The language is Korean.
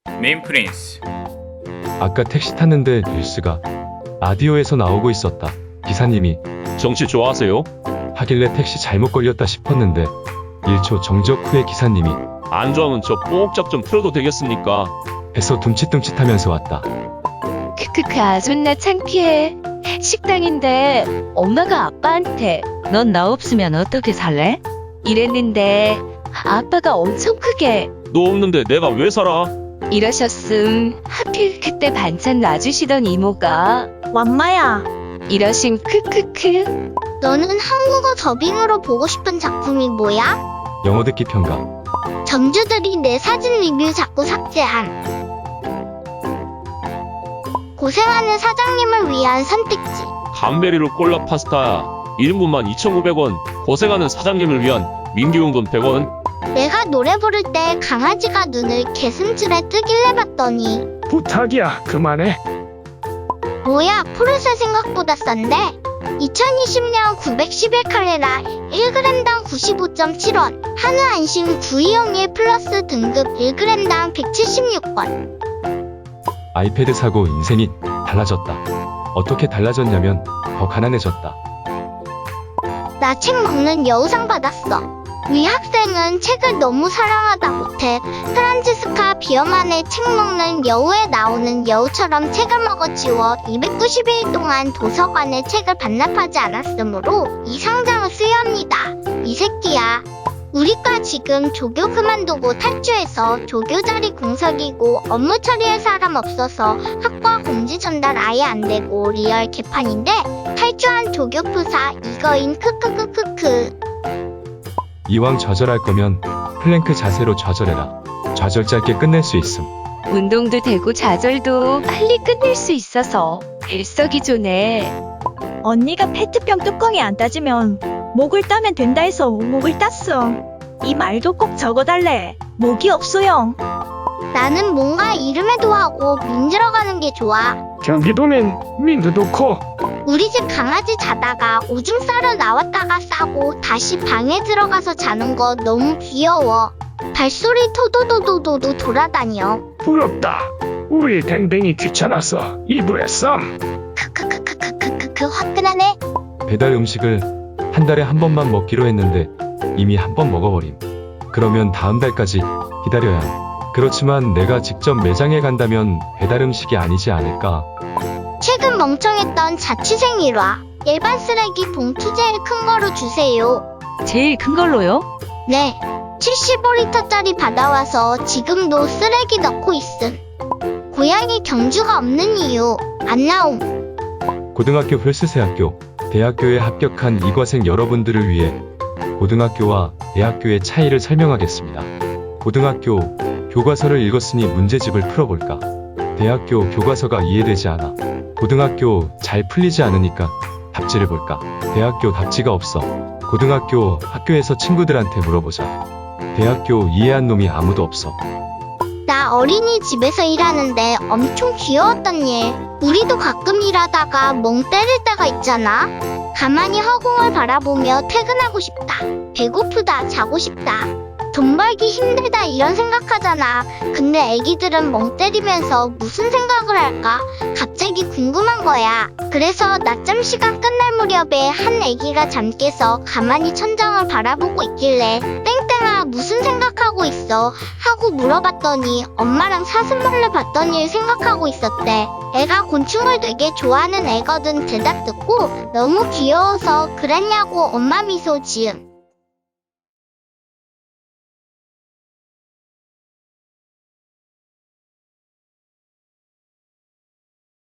네임 프린스. 아까 택시 탔는데 뉴스가 라디오에서 나오고 있었다. 기사님이 정치 좋아하세요? 하길래 택시 잘못 걸렸다 싶었는데 1초 정적 후에 기사님이 안 좋아하면 저 뽕짝 좀 틀어도 되겠습니까? 해서 둠칫둠칫하면서 왔다. 크크크 아 존나 창피해. 식당인데 엄마가 아빠한테 넌 나 없으면 어떻게 살래? 이랬는데 아빠가 엄청 크게 너 없는데 내가 왜 살아? 이러셨음. 하필 그때 반찬 놔주시던 이모가 완마야, 이러심. 크크크. 너는 한국어 더빙으로 보고 싶은 작품이 뭐야? 영어 듣기 평가. 점주들이 내 사진 리뷰 자꾸 삭제한. 고생하는 사장님을 위한 선택지. 감베리로 콜라 파스타 1인분만 2,900원. 고생하는 사장님을 위한 민규용돈 100원. 내가 노래 부를 때 강아지가 눈을 개슴츠레 뜨길래 봤더니 부탁이야, 그만해. 뭐야, 포르쉐 생각보다 싼데? 2020년 911칼레라 1g당 95.7원, 한우 안심 9201 플러스 등급 1g당 176원. 아이패드 사고 인생이 달라졌다. 어떻게 달라졌냐면 더 가난해졌다. 나 책 먹는 여우상 받았어. 위 학생은 책을 너무 사랑하다 못해 프란치스카 비어만의 책 먹는 여우에 나오는 여우처럼 책을 먹어치워 290일 동안 도서관에 책을 반납하지 않았으므로 이 상장을 수여합니다. 이 새끼야. 우리과 지금 조교 그만두고 탈주해서 조교 자리 공석이고 업무 처리할 사람 없어서 학과 공지 전달 아예 안 되고 리얼 개판인데 탈주한 조교 프사 이거인 크크크크크. 이왕 좌절할 거면 플랭크 자세로 좌절해라. 좌절 짧게 끝낼 수 있음. 운동도 되고 좌절도 빨리 끝낼 수 있어서 일석이조네. 언니가 페트병 뚜껑이 안 따지면 목을 따면 된다 해서 목을 땄음. 이 말도 꼭 적어달래. 목이 없어요. 나는 뭔가 이름에도 하고 민들어가는 게 좋아. 경기도면 민두도 커. 우리 집 강아지 자다가 오줌 싸러 나왔다가 싸고 다시 방에 들어가서 자는 거 너무 귀여워. 발소리 토도도도도도 돌아다녀. 부럽다. 우리 댕댕이 귀찮아서 이불에 썸. 크크크크크크크크 화끈하네. 배달 음식을 한 달에 한 번만 먹기로 했는데 이미 한 번 먹어버림. 그러면 다음 달까지 기다려야 함. 그렇지만 내가 직접 매장에 간다면 배달 음식이 아니지 않을까. 최근 멍청했던 자취생 일화. 일반 쓰레기 봉투 제일 큰 거로 주세요. 제일 큰 걸로요? 네. 75리터짜리 받아와서 지금도 쓰레기 넣고 있음. 고양이 경주가 없는 이유. 안 나옴. 고등학교 플스세학교, 대학교에 합격한 이과생 여러분들을 위해 고등학교와 대학교의 차이를 설명하겠습니다. 고등학교 교과서를 읽었으니 문제집을 풀어볼까? 대학교 교과서가 이해되지 않아. 고등학교 잘 풀리지 않으니까 답지를 볼까? 대학교 답지가 없어. 고등학교 학교에서 친구들한테 물어보자. 대학교 이해한 놈이 아무도 없어. 나 어린이집에서 일하는데 엄청 귀여웠던 일. 우리도 가끔 일하다가 멍 때릴 때가 있잖아. 가만히 허공을 바라보며 퇴근하고 싶다. 배고프다. 자고 싶다. 돈 벌기 힘들다 이런 생각하잖아. 근데 애기들은 멍 때리면서 무슨 생각을 할까? 갑자기 궁금한 거야. 그래서 낮잠 시간 끝날 무렵에 한 애기가 잠 깨서 가만히 천장을 바라보고 있길래 땡땡아 무슨 생각하고 있어? 하고 물어봤더니 엄마랑 사슴벌레 봤던 일 생각하고 있었대. 애가 곤충을 되게 좋아하는 애거든. 대답 듣고 너무 귀여워서 그랬냐고 엄마 미소 지음.